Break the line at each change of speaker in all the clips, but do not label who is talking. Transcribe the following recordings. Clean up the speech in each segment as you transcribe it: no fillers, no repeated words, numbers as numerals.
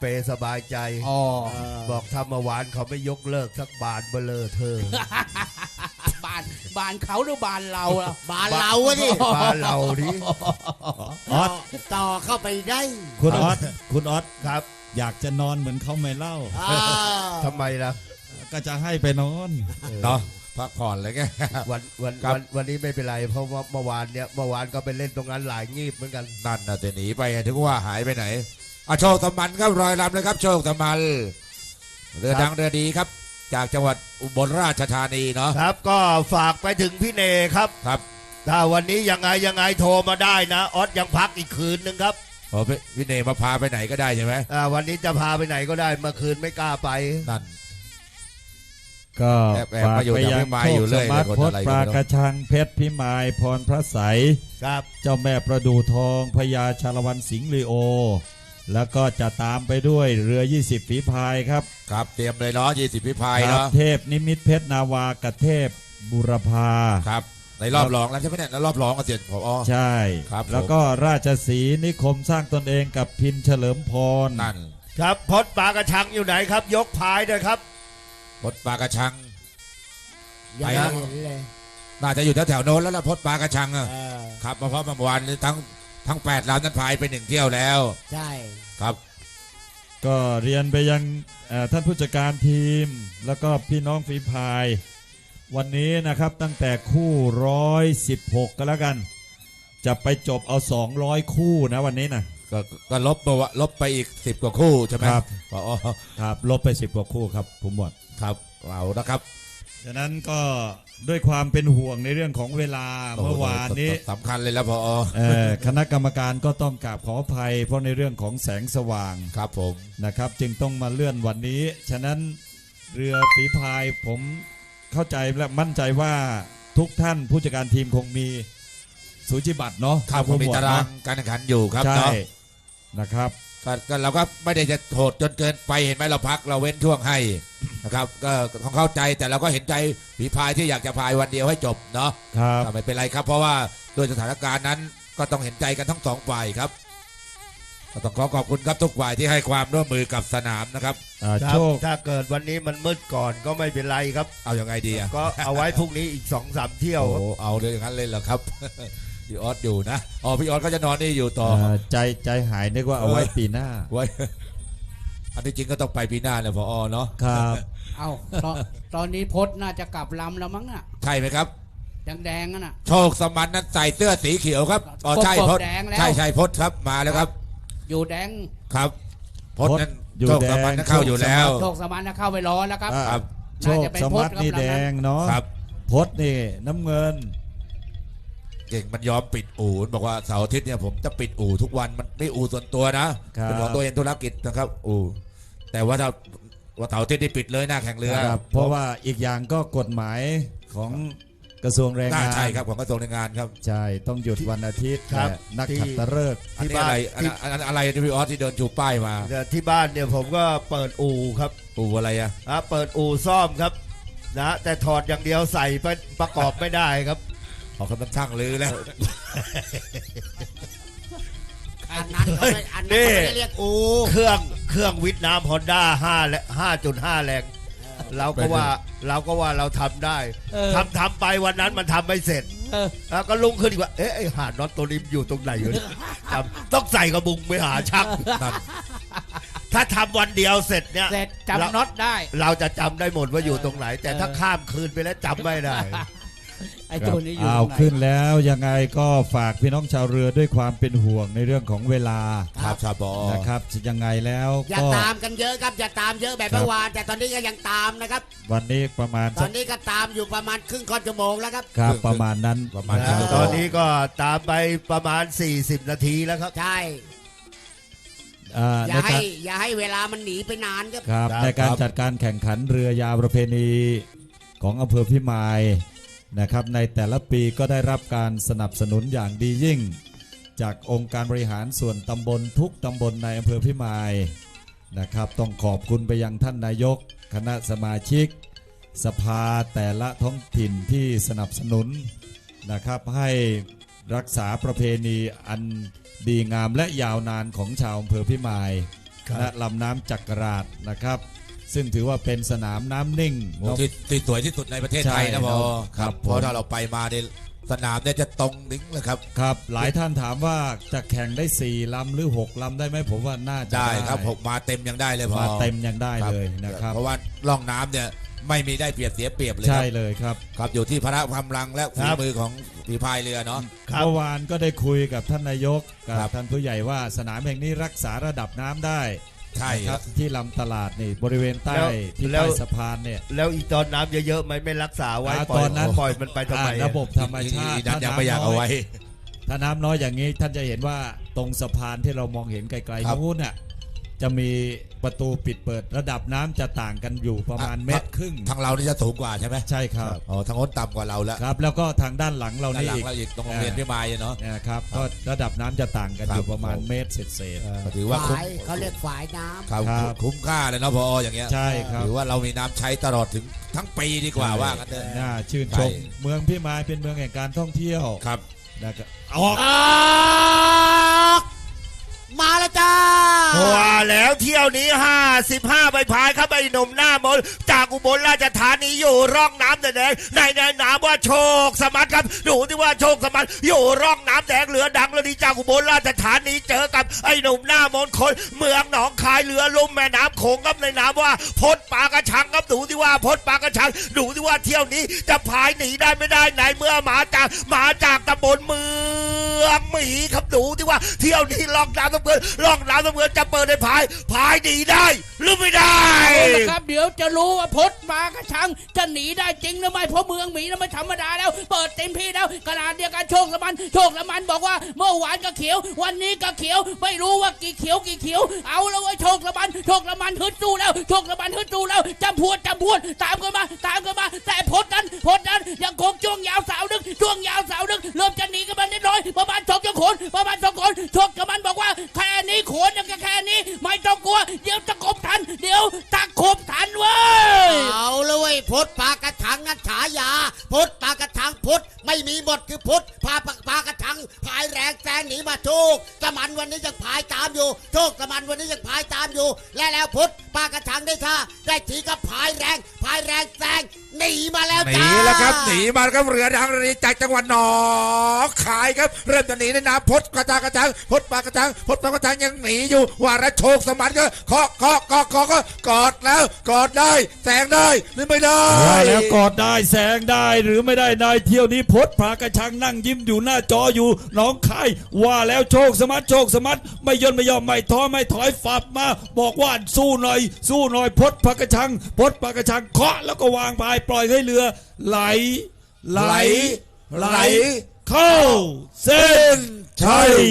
เปสบายใจ
อ๋อ
บอกถ้าเมื่อวานเขาไม่ยกเลิกสักบาทเบลอเธอ
บานเขาหรือบานเราล่ะ
บ้านเราอะดิ
บานเราดิ
ออส
ต่อเข้าไปได้
คุณออสคุณออส
ครับ
อยากจะนอนเหมือนเขาไม่เล่า
อ่า
ทำไมล่ะ
ก็จะให้ไปนอน
เนาะพักผ่อนเลยแก
วันนี้ไม่เป็นไร เพราะว่าเมื่อวานก็ไปเล่นตรงนั้นหลายงีบเหมือนกัน
นั่นน่ะจะหนีไปถึงว่าหายไปไหนโชคตะมันครับรอยลำเลยครับโชคตะมันเรือดังเรือดีครับ จากจังหวัดอุบลราชธานีเนาะ
ครับก็ฝากไปถึงพี่เนครับ
ครับ
ถ้าวันนี้ยังไงโทรมาได้นะออสยังพักอีกคืนนึงครับ
พอพี่เนมาพาไปไหนก็ได้ใช่ไหม
วันนี้จะพาไปไหนก็ได้เมื่อคืนไม่กล้าไป
นั่น
ก็
แอบ
ฝาก
มาอยู่
ไป
แถว
ยัง
พิมาย
โช
อยู่
ค
เรื่
ส
อย
มาร์ท
คน
พ
อะไร
ด
ก็
ปลา
ไม่รู้
กระชังเพชรพิมายพรพระใส
ครับ
เจ้าแม่ประดูทองพญาชาละวันสิงห์ลีโอ แล้วก็จะตามไปด้วยเรือ 20 ฝีพายครับ
ครับเตรียมเลยเนาะ20พิพาย
ครับ
เนาะ
เทพนิมิตเพชรนาวากบเทพบุรพา
ครับในรอบรองแล้วใช่ไหมเนี่ยในรอบรองก็เสร็จพอ
ใช่
ครับ
แล้วก็ราชสีห์นิคมสร้างตนเองกับพินเฉลิมพร
นั่น
ครับพดปลากระชังอยู่ไหนครับ ยกพายด้วยครับ
พดปลากระชัง
ยัง
ไป
ไม่
ฮะ
เห็นเลย
น่าจะอยู่แถวๆโน้นแล้วล่ะพดปลากระชังอะ
เออ
ครับเพราะเมื่อวานนี้ทั้ง8ลำนั้นพายไป1เที่ยวแล้ว
ใช่
ครับ
ก็เรียนไปยังท่านผู้จัดการทีม แล้วก็พี่น้องฝีพาย วันนี้นะครับตั้งแต่คู่116ก็แล้วกัน จะไปจบเอา200คู่นะวันนี้นะ
ก็ลบไปอีก10กว่าคู่ใช่ไหม
ครับ
อ๋อ
ครับลบไป10กว่าคู่ครับผมหมด
ครับเอานะครับ
ฉะนั้นก็ด้วยความเป็นห่วงในเรื่องของเวลาเมื่อวานนี้
สำคัญเลยแล้วพอ
คณะกรรมการก็ต้องกราบขออภัยเพราะในเรื่องของแสงสว่าง
ครับผม
นะครับ จึงต้องมาเลื่อนวันนี้ ฉะนั้นเรือฝีพายผมเข้าใจและมั่นใจว่าทุกท่านผู้จัดการทีมคงมีสูจิบัตรเนาะ
ครับผมมีตารางการแข่งขันอยู่ครับ
ใช่
เนาะ
นะครับ
ก็เราก็ไม่ได้จะโหดจนเกินไปเห็นไหมเราพักเราเว้นช่วงให้นะครับก็ต้องเข้าใจแต่เราก็เห็นใจฝีพายที่อยากจะพายวันเดียวให้จบเนาะ
ครับ
แต่ไม่เป็นไรครับ เพราะว่าด้วยสถานการณ์นั้นก็ต้องเห็นใจกันทั้งสองฝ่ายครับก็ต้องขอบคุณครับทุกฝ่ายที่ให้ความร่วมมือกับสนามนะครับ
ครับ
โชค
ถ้าเกิดวันนี้มันมืดก่อนก็ไม่เป็นไรครับ
เอาอย่างไงดีอะ
ก็เอาไว้พรุ่งนี้อีก2-3เที่ยว
โอ้
ครับ
เอาเลยอย่างนั้นเลยเหรอครับ พี่ออสอยู่นะอ๋อพี่ออสก็จะนอนนี่อยู่ต่อ
ใจหายนึกว่าเอาไว้ปีหน้า
ไว้ อันที่จริงก็ต้องไปปีหน้าแหละพอเนาะ
ครับ
เอาตอนนี้พดน่าจะกลับลำแล้วมั้งน่ะ
ใช่ไหมครับ
แดงๆนั่นน่ะ
โชคสมันนั้นใส่เสื้อสีเขียวครับอ๋อใช่
กบ
พด
แดงแล้ว
ใช่พดครับมาแล้วครับ
อยู่แดง
ครับพดนั้น
อยู่
โชคสมันนั้นเข้าอยู่แล้ว
โชคสมานนะเข้าไปรอแล้วครับ
ครับ
โชคสมัตินี่แดงเนาะ
ครับ
พดนี่น้ำเงิน
เก่งมันยอมปิดอู่บอกว่าเสาร์อาทิตย์เนี่ยผมจะปิดอู่ทุกวันมันไม่อู่ส่วนตัวนะครับ เป็นของตัวเองธุรกิจนะครับ อู่แต่ว่าถ้าเสาร์อาทิตย์นี่ปิดเลยหน้าแข่งเรือ
ครับเพราะว่าอีกอย่างก็กฎหมายของกระทรวงแรง
น่าง
าน
ใช่ครับของกระทรวงแรงงานครับ
ใช่ต้องหยุดวันอาทิตย์
ครับ
และนักขัตฤกษ์
อันนี้อะไรอะไรที่พี่ออสที่เดินชูป้ายมา
แต่ที่บ้านเนี่ยผมก็เปิดอู่ครับ
อู่อะไรอะ
เปิดอู่ซ่อมครับนะแต่ถอดอย่างเดียวใส่ไปประกอบไม่ได้ครับ
ขอคำช่างลือแล้ว
อันนั้นเขาไม่อันนั้นเขาไม่ได้เรียกอู
เครื่องวิทย์น้ำฮอนด้า5.5 แรงเราก็ว่าเราทำได้
เออ
ทำไปวันนั้นมันทำไม่เสร็จ
เออ
แล้วก็ลุงขึ้นอีกว่าไอ้หาน็อตตัวนี้อยู่ตรงไหนอยู่เนี่ยต้องใส่กระบุงไปหาช่างถ้าทำวันเดียวเสร็จเนี่ย
เสร็จจำน็อตได้
เราจะจำได้หมดว่าอยู่ตรงไหน แต่ถ้าข้ามคืนไปแล้วจำไม่ได้
ไอ้ตัวนี้อยู่
เอา
ตรงไหน
ขึ้นแล้วยังไงก็ฝากพี่น้องชาวเรือด้วยความเป็นห่วงในเรื่องของเวลา
ครับชาบอ
นะครับยังไงแล้ว
อย่า
ก็
ตามกันเยอะครับอย่าตามเยอะแบบเมื่อวานแต่ตอนนี้ก็ยังตามนะครับ
วันนี้ประมาณ
ตอนนี้ก็ตามอยู่ประมาณครึ่งค่อนชั่วโมงแล้วครับ
ครับประมาณนั้น
ประมาณ
ตอนนี้ก็ตามไปประมาณ40 นาทีแล้วครับ
ใช่
ใน
อย่า
การ
ให้เวลามันหนีไปนานครับ
ครับ
ครับ
ในการจัดการแข่งขันเรือยาวประเพณีของอำเภอพิมายนะครับในแต่ละปีก็ได้รับการสนับสนุนอย่างดียิ่ง จากองค์การบริหารส่วนตำบลทุกตำบลในอำเภอพิมายนะครับต้องขอบคุณไปยังท่านนายกคณะสมาชิก สภาแต่ละท้องถิ่นที่สนับสนุนนะครับให้รักษาประเพณีอันดีงามและยาวนานของชาวอำเภอพิมายณลำน้ำจักราชนะครับ ซึ่งถือว่าเป็นสนามน้ำนิ่ง
โอ้ที่สวยที่สุดในประเทศไทย
ใช่
นะพอ
ครับ
เพราะถ้าเราไปมาในสนามเนี่ยจะตรงนิ้งเลยครับ
ครับหลายท่านถามว่าจะแข่งได้4ลำหรือ6ลำได้ไหมผมว่าน่าจะ
ได้ครับผมมาเต็มยังได้เลยพอ
มาเต็มยังได้เลยนะครับ
เพราะว่าล่องน้ำเนี่ยไม่มีได้เปรียบเสียเปรียบเลยค
ใช่
รับ
เลยครับ
ครับอยู่ที่พละกำลังและฝีมือของฝีพายเรือเนาะ
ครับ
เมื่อวานก็ได้คุยกับท่านนายกกับ
ครับ
ท่านผู้ใหญ่ว่าสนามแห่งนี้รักษาระดับน้ำได้
ใช่
นะ
ค
ค
รั
รับ บที่ลำตลาดนี่บริเวณใต้ที่
แล้ว
ใต้สะพานเนี่ย
แล้วอีตอนน้ำเยอะๆไหมไม่รักษาไว้
ตอนนั้น
ปล่อยมันไปทำไม
ระบบธรรมชาติ
นั้นยังไม่อยากเอาไว้
ถ้าน้ำน้อยอย่างนี้ท่านจะเห็นว่าตรงสะพานที่เรามองเห็นไกล
ครับ
ๆนู้นน่ะจะมีประตูปิดเปิดระดับน้ำจะต่างกันอยู่ประมาณเมตรครึ่ง
ทางเรานี่จะสูงกว่าใช่ไหม
ใช่ครับ
อ๋อทางโน้นต่ำกว่าเราแล้ว
ครับ แล้วก็ทางด้านหลังเรา
ด้าน
นี่
หลัง
อีก
เราอีกตรงโรงเรียนพิมายเนาะ
นะครับก็ระดับน้ำจะต่างกัน
ครับ
อยู่ประมาณเมตรเศษ
ก็ถือว่าคุ้ม
ฝายเขาเรียกฝายน้ำ
ครับ
ครับ
คุ้มค่าเลยเนาะพออย่างเงี้ย
ๆใช่ครับ
ถือว่าเรามีน้ำใช้ตลอดถึงทั้งปีดีกว่าว่ากันเถอะ
น่าชื่นชม
ใช่
เมืองพิมายเป็นเมืองแห่งการท่องเที่ยว
ครับ
นะครับออก
ออกมาแล้วจ้า
ว่าแล้วเที่ยวนี้55ใบพายครับไอ้หนุ่มหน้ามนต์จากอุบลราชธานีอยู่ร่องน้ำแดงในนามว่าโชคสมัติครับดูที่ว่าโชคสมัติอยู่ร่องน้ำแดงเรือดังแล้วดีจากอุบลราชธานีเจอกับไอ้หนุ่มหน้ามนต์คนเมืองหนองคายเรือลุ่มแม่น้ำโขงครับในนามว่าพดปลากระชังครับดูที่ว่าพดปลากระชังดูที่ว่าเที่ยวนี้จะพายหนีได้ไม่ได้ไหนเมื่อมาจากตำบลเมืองหมีครับดูที่ว่าเที่ยวนี้ล่องน้ำตะเบือนล่องน้ำตะเบือนจะเปิดในพายหนีได้หรือไม่ได้
เอาละครับเดี๋ยวจะรู้ว่าพดมากระชังจะหนีได้จริงหรือไม่เพราะเมืองหมีนั้นไม่ธรรมดาแล้วเปิดเต็มที่แล้วขนาดเดียวกันโชคละมันบอกว่าเมื่อวานก็เขียววันนี้ก็เขียวไม่รู้ว่ากี่เขียวเอาแล้วไอ้โชคละมันฮึดสู้แล้วโชคละมันฮึดสู้แล้วจำพวดตามกันมาแต่พดนั้นยังคงจ้วงยาวสาวดึกเริ่มจะหนีกันมาเล็กน้อยประมาณ2 คนโชคละมันบอกว่าแค่นี้โขนยังแค่นี้ไม่ต้องกลัวเดี๋ยวตะขบทันเว้ย
เอาเลยเว้ยพดปลากระชังงัดฉายาพดปลากระชังพดไม่มีหมดคือพดปลากระชังพายแรงแซงหนีมาโชคสมันวันนี้ยังพายตามอยู่โชคสมันวันนี้ยังพายตามอยู่แล้วพดปลากระชังได้ท่าได้ทีก็พายแรงแซงหนีมาแล้ว
หนี
จ้า
แล้วครับหนีมาครับเรือดังเรือจากจังหวัดหนองคายครับเริ่มจะหนีในน้ำพดกระชังพดปลากระชังยังหนีอยู่ว่าระโชคสมันก็เคาะก็กอดแล้วกอดได้แซงได้หรือไม่ได้
ว่าแล้วกอดได้แสงได้หรือไม่ได้นายเที่ยวนี้พดพากระชังนั่งยิ้มอยู่หน้าจออยู่หน้องคายว่าแล้วโชคสมัติไม่ย่นไม่ยอมไม่ท้อไม่ถอยฝับมาบอกว่าสู้หน่อยพดพากระชังเคาะแล้วก็วางพายปล่อยให้เรือไหลเข้าเส้นชัย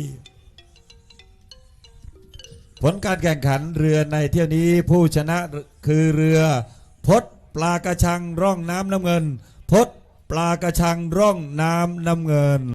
ผลการแข่งขันเรือในเที่ยวนี้ผู้ชนะคือเรือพดปลากระชังร่องน้ำน้ำเงินพดปลากระชังร่องน้ำเงิน